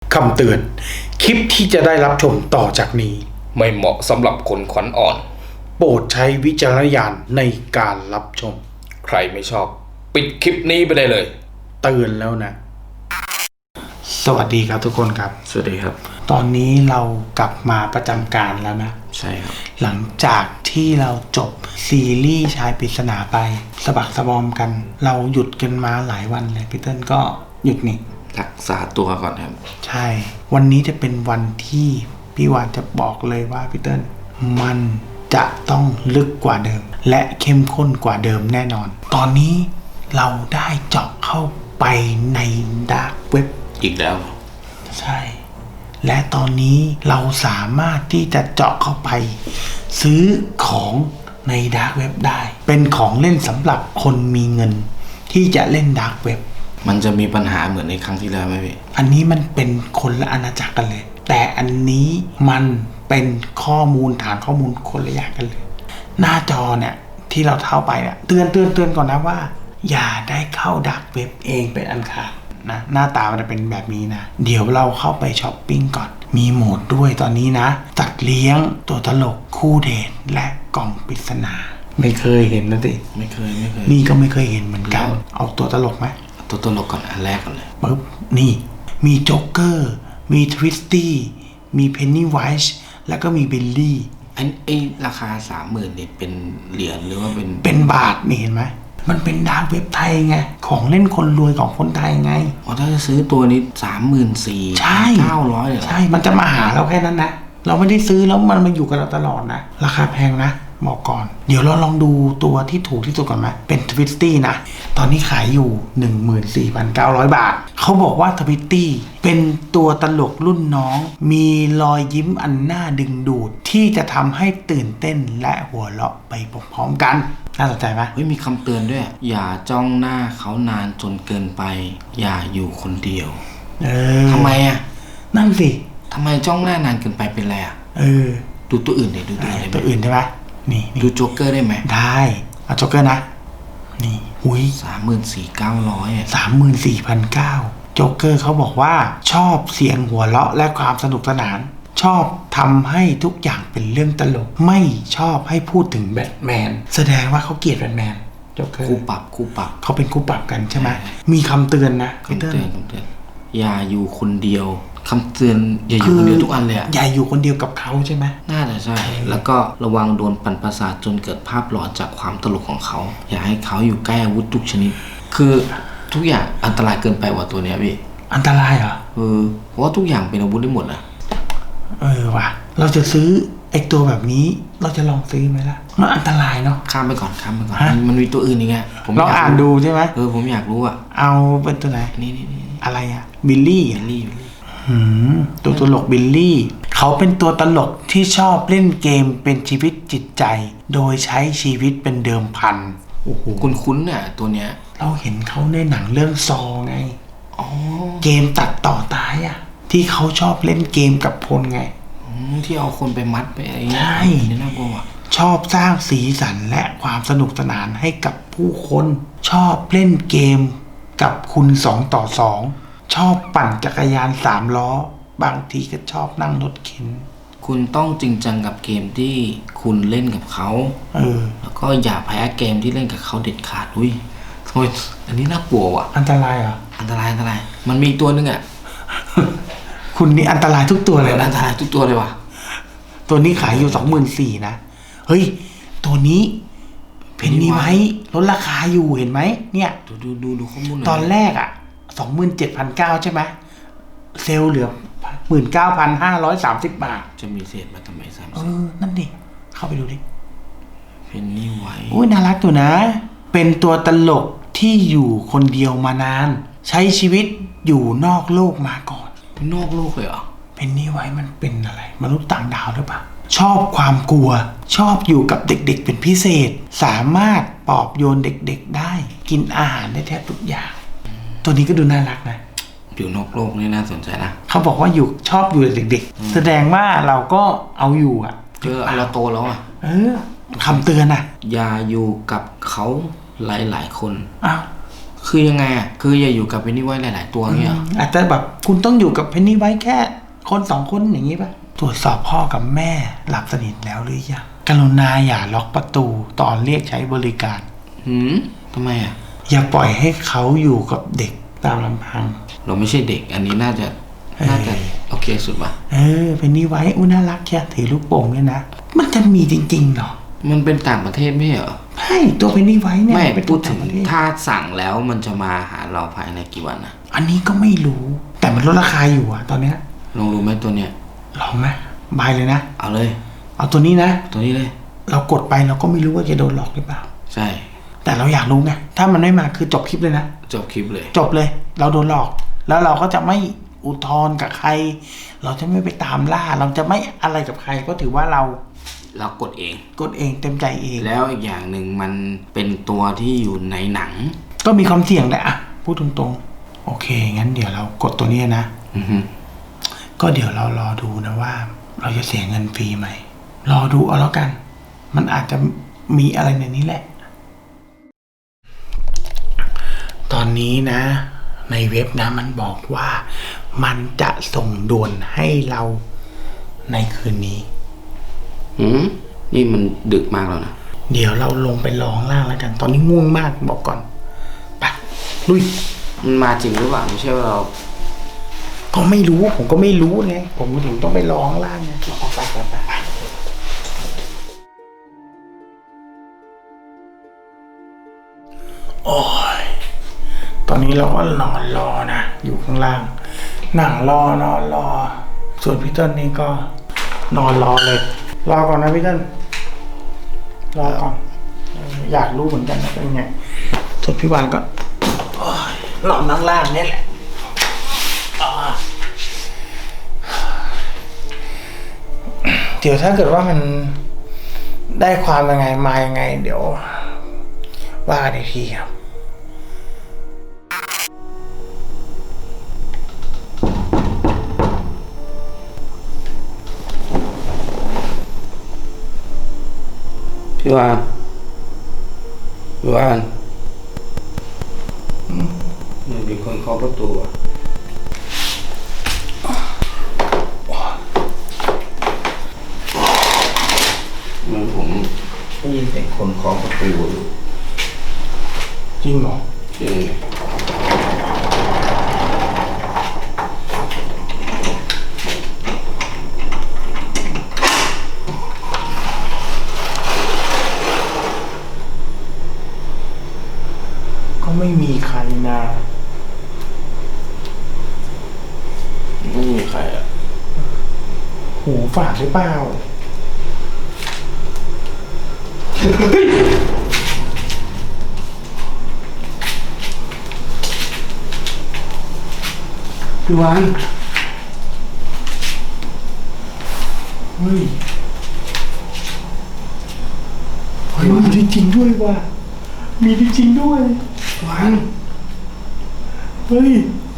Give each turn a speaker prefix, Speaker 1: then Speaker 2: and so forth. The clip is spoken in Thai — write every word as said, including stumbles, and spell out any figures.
Speaker 1: คำเตือนคลิปที่จะได้รับชมต่อจากนี้
Speaker 2: ไม่เหมาะสำหรับคนขวัญอ่อน
Speaker 1: โปรดใช้วิจารณญาณในการรับชม
Speaker 2: ใครไม่ชอบปิดคลิปนี้ไปได้เลย
Speaker 1: เตือนแล้วนะสวัสดีครับทุกคนครับ
Speaker 2: สวัสดีครับ
Speaker 1: ตอนนี้เรากลับมาประจำการแล้วนะ
Speaker 2: ใช่ครับ
Speaker 1: หลังจากที่เราจบซีรีส์ชายปริศนาไปสะบักสะบอมกันเราหยุดกันมาหลายวันเลยพี่เติ้ลก็หยุดนี่
Speaker 2: รักษาตัวก่อนครับ
Speaker 1: ใช่วันนี้จะเป็นวันที่พี่วานจะบอกเลยว่าพี่เติ้ลมันจะต้องลึกกว่าเดิมและเข้มข้นกว่าเดิมแน่นอนตอนนี้เราได้เจาะเข้าไปในดาร์กเว็บ
Speaker 2: อีกแล้ว
Speaker 1: ใช่และตอนนี้เราสามารถที่จะเจาะเข้าไปซื้อของในดาร์กเว็บได้เป็นของเล่นสำหรับคนมีเงินที่จะเล่นดาร์กเว็บ
Speaker 2: มันจะมีปัญหาเหมือนในครั้งที่แล้วไหมพี่
Speaker 1: อันนี้มันเป็นคนละอาณาจักรกันเลยแต่อันนี้มันเป็นข้อมูลฐานข้อมูลคนละอย่างกันเลยหน้าจอเนี่ยที่เราเท้าไปเนี่ยเตือนเตือนเตือนก่อนนะว่าอย่าได้เข้าดาร์กเว็บเองเป็นอันขาดนะหน้าตามันจะเป็นแบบนี้นะเดี๋ยวเราเข้าไปช้อปปิ้งก่อนมีโหมดด้วยตอนนี้นะตัดเลี้ยงตัวตลกคู่เดทและกล่องปริศนาไม่เคยเห็นนะสิ
Speaker 2: ไม่เคยไม่เคย
Speaker 1: นี่ก็ไม่เคยเห็นเหมือนกันเอาตัวตลกไหม
Speaker 2: ตัวตลกก่อนอันแรกก่อนเลย
Speaker 1: ปึ๊บนี่มีโจ๊กเกอร์มีทวิสตี้มีเพนนีไวส์แล้วก็มีบิลลี่
Speaker 2: อันไอราคาสามหมื่นนี่เป็นเหรียญหรือว่าเป็น
Speaker 1: เป็นบาทนี่เห็นไหมมันเป็นดาร์กเว็บไทยไงของเล่นคนรวยของคนไทยไง
Speaker 2: อ๋อถ้าจะซื้อตัวนี้สามหมื่นสี่
Speaker 1: ใช่
Speaker 2: เก้าร้อยเลย
Speaker 1: ใช่มันจะมาหาเราแค่นั้นนะเราไม่ได้ซื้อแล้วมันมาอยู่กับเราตลอดนะราคาแพงนะบอกก่อนเดี๋ยวเราลองดูตัวที่ถูกที่สุดก่อนไหมเป็นทวิสตี้นะตอนนี้ขายอยู่ หนึ่งหมื่นสี่พันเก้าร้อย บาทเขาบอกว่าทวิสตี้เป็นตัวตลกรุ่นน้องมีรอยยิ้มอันน่าดึงดูดที่จะทำให้ตื่นเต้นและหัวเราะไปพร้อมๆกันน่าสนใจไหม
Speaker 2: เฮ้ยมีคำเตือนด้วยอย่าจ้องหน้าเขานานจนเกินไปอย่าอยู่คนเดียว
Speaker 1: เออ
Speaker 2: ทำไมอ่ะ
Speaker 1: นั่นสิ
Speaker 2: ทำไมจ้องหน้านานเกินไปเป็นไรอ่ะ
Speaker 1: เออ
Speaker 2: ดูตัวอื่นเลยดูตัวอื่น
Speaker 1: ตัวอื่นใช่ไหมนี่
Speaker 2: ดูโจ๊กเกอร์ได้ไหม
Speaker 1: ได้เอาโจ๊กเกอร์นะนี่อุ้ย
Speaker 2: สามหมื่นสี่เก้าร้อย
Speaker 1: สามหมื่นสี่พันเก้าโจ๊กเกอร์เขาบอกว่าชอบเสียงหัวเราะและความสนุกสนานชอบทำให้ทุกอย่างเป็นเรื่องตลกไม่ชอบให้พูดถึงแบทแมนแสดงว่าเขาเกลียดแบทแมนโจ๊กเกอร์
Speaker 2: คู่ปรับคู่ปรับ
Speaker 1: เขาเป็นคู่ปรับกันใช่ไหมมีคำเตือนนะ
Speaker 2: คำเตือนคำเตือนอย่าอยู่คนเดียวคำเตือนอย่าอยู่คนเดียวทุกอันเลยอ่ะ
Speaker 1: อย่าอยู่คนเดียวกับเขาใช่ไหม
Speaker 2: น่าจะใช่แล้วก็ระวังโดนปั่นประสาทจนเกิดภาพหลอนจากความตลกของเขาอย่าให้เขาอยู่ใกล้อาวุธทุกชนิดคือทุกอย่างอันตรายเกินไปกว่าตัวเนี้ยพี่
Speaker 1: อันตรายเหรอ
Speaker 2: เออเพราะว่าทุกอย่างเป็นอาวุธได้หมดนะ
Speaker 1: เออว่ะเราจะซื้อไอ้ตัวแบบนี้เราจะลองซื้อไหมล่ะมันอันตรายเนาะ
Speaker 2: ข้ามไปก่อนข้ามไปก่อนมันมีตัวอื่นอีกไง
Speaker 1: ผมลองอ่านดูใช่ไหม
Speaker 2: เออผมอยากรู้อ่ะ
Speaker 1: เอาเป็นตัวไหน
Speaker 2: นี่นี่นี่
Speaker 1: อะไรอ่ะบิลลี่
Speaker 2: บิลลี่
Speaker 1: ตัวตลกบิลลี่เขาเป็นตัวตลกที่ชอบเล่นเกมเป็นชีวิตจิตใจโดยใช้ชีวิตเป็นเดิมพัน
Speaker 2: โอ้โหคุ้นๆเนี่ยตัวเนี้ย
Speaker 1: เราเห็นเขาในหนังเรื่องซอไง
Speaker 2: อ๋อ
Speaker 1: เกมตัดต่อตายอ่ะที่เขาชอบเล่นเกมกับพลไง
Speaker 2: ที่เอาคนไปมัดไปอะไรเงี้ย
Speaker 1: ใช่
Speaker 2: นี่น่ากลัว
Speaker 1: ชอบสร้างสีสันและความสนุกสนานให้กับผู้คนชอบเล่นเกมกับคุณสองต่อสองชอบปั่นจักรยานสามล้อบางทีก็ชอบนั่งรถเข็น
Speaker 2: คุณต้องจริงจังกับเกมที่คุณเล่นกับเขา
Speaker 1: เออ
Speaker 2: แล้วก็อย่าแพ้เกมที่เล่นกับเขาเด็ดขาดอุ้ยโอ้ยอันนี้น่ากลัวว่ะ
Speaker 1: อันตรายเหรอ
Speaker 2: อันตรายอันตรายมันมีตัวนึงอ่ะ
Speaker 1: คุณนี่อันตรายทุกตัวเลย
Speaker 2: นะอันตรายทุกตัวเลยว่ะ
Speaker 1: ตัวนี้ขายอยู่สองหมื่นสี่นะเฮ้ยตัวนี้เพนนีไว้ลดราคาอยู่เห็นไหมเนี่ย
Speaker 2: ดูดูดูดูข้อมูล
Speaker 1: ตอนแรกอ่ะสองหมื่นเจ็ดพันเก้าใช่ไหมเซลล์เหลือหมื่นเก้าพันห้าร้อยสามสิบบาท
Speaker 2: จะมีเศษมาทำไมซ้ำ
Speaker 1: เออนั่นดิเข้าไปดูดิ
Speaker 2: เพนนีไว้
Speaker 1: อุ้ยน่ารักตัวนะเป็นตัวตลกที่อยู่คนเดียวมานานใช้ชีวิตอยู่นอกโลกมาก่อน
Speaker 2: นอกโลกเลยเหรอ
Speaker 1: เพนนีไว้มันเป็นอะไรมนุษย์ต่างดาวหรือเปล่าชอบความกลัวชอบอยู่กับเด็กๆเป็นพิเศษสามารถปลอบโยนเด็กๆได้กินอาหารได้แทบทุกอย่างตัวนี้ก็ดูน่ารักนะ
Speaker 2: อยู่นอกโลกนี่น่าสนใจนะ
Speaker 1: เขาบอกว่าอยู่ชอบอยู่เด็กๆแสดงว่าเราก็เอาอยู่อ่ะ
Speaker 2: เจอเราโตแล้วอ่ะ
Speaker 1: เออคำเตือนอ่ะ
Speaker 2: อย่าอยู่กับเขาหลายๆคน
Speaker 1: อ้าว
Speaker 2: คือยังไงอ่ะคืออย่าอยู่กับเพนนีไว้หลาย ๆ ตัวเนี่ย
Speaker 1: อาจจะแบบคุณต้องอยู่กับเพนนี่ไว้แค่คนสองคนอย่างนี้ป่ะตรวจสอบพ่อกับแม่หลับสนิทแล้วหรือยังกรุณาอย่าล็อกประตูตอนเรียกใช้บริการ
Speaker 2: หืมทำไมอ่ะ
Speaker 1: อย่าปล่อยให้เขาอยู่กับเด็กตามลำพัง
Speaker 2: เราไม่ใช่เด็กอันนี้น่าจะน่าจะโอเคสุดป่ะ
Speaker 1: เออเพนนี่ไว้อุ้ยน่ารักแค่ถือลูกโป่งเนี่ยนะมันจะมีจริงๆเหรอ
Speaker 2: มันเป็นต่างประเทศไม่ใช่เหรอ
Speaker 1: ใช่ตัวเพนนี่ไว้เนี่ย
Speaker 2: ไม่
Speaker 1: เป็น
Speaker 2: พู
Speaker 1: ตัว
Speaker 2: ดถึ
Speaker 1: ต่าง
Speaker 2: ง
Speaker 1: ประเทศ
Speaker 2: ถ้าสั่งแล้วมันจะมาหาเราภายในกี่วันนะ
Speaker 1: อันนี้ก็ไม่รู้ แต่มันลดราคาอยู่อะตอนเนี้ย
Speaker 2: ลองรู้ไหมตัวเนี้ย
Speaker 1: ลองไหมบายเลยนะ
Speaker 2: เอาเลย
Speaker 1: เอาตัวนี้นะ
Speaker 2: ตัวนี้เลย
Speaker 1: เรากดไปเราก็ไม่รู้ว่าจะโดนหลอกหรือเปล่า
Speaker 2: ใช่
Speaker 1: แต่เราอยากรู้ไงถ้ามันไม่มาคือจบคลิปเลยนะ
Speaker 2: จบคลิปเลย
Speaker 1: จบเลย เราโดนหลอก แล้วเราก็จะไม่อุทธรณ์กับใคร เราจะไม่ไปตามล่า เราจะไม่อะไรกับใครก็ถือว่าเรา
Speaker 2: เรากดเอง
Speaker 1: กดเองเต็มใจเอง
Speaker 2: แล้วอีกอย่างหนึ่งมันเป็นตัวที่อยู่ในหนัง
Speaker 1: ก็มีความเสี่ยงแหละอะพูดตรงๆ โอเค งั้นเดี๋ยวเรากดตัวนี้นะ
Speaker 2: อือฮึ
Speaker 1: ก็เดี๋ยวเรารอดูนะว่า เราจะเสียเงินฟรีไหม รอดูเอาแล้วกัน มันอาจจะมีอะไรในนี้แหละ ตอนนี้นะ ในเว็บนะมันบอกว่ามันจะส่งด่วนให้เราในคืนนี้
Speaker 2: หืมนี่มันดึกมากแล้วนะ
Speaker 1: เดี๋ยวเราลงไปรอข้างล่างแล้วกัน ตอนนี้ง่วงมากบอกก่อน ไป ลุย
Speaker 2: มันมาจริงหรือเปล่าไม่ใช่ว่าเรา
Speaker 1: ก็ไม่รู้ ผมก็ไม่รู้ไง ผมก็ถึงต้องไปรอข้างล่างไงไปไปไปไปโอ้ย ตอนนี้เราก็นอนรอนะ อยู่ข้างล่าง นั่งรอนอนรอ ส่วนพี่เติ้ลนี่ก็นอนรอเลย รอก่อนนะพี่เติ้ลรอก่อนเอออยากรู้เหมือนกันนะเป็นไง ส่วนพี่วานก็โอ้ยนอนนั่งล่างนี่แหละอ่าเดี๋ยวถ้าเกิดว่ามันได้ความยังไงมายังไง เดี๋ยวว่ากันอีกทีครับ
Speaker 2: พี่วานพี่วานมันมีคนเคาะประตูอ่ะเหมือนผมได้ยินเสียงคนเคาะประตูอยู่
Speaker 1: จริงเหรอ
Speaker 2: จริง
Speaker 1: ก็ไม่มีใครนะ
Speaker 2: ไม่มีใครอ่ะ
Speaker 1: หูฝาดหรือเปล่า พี่วานเฮ้ย เฮ้ยมีจริงๆด้วยว่ะ มีจริงๆด้วย
Speaker 2: วาน
Speaker 1: เฮ้ย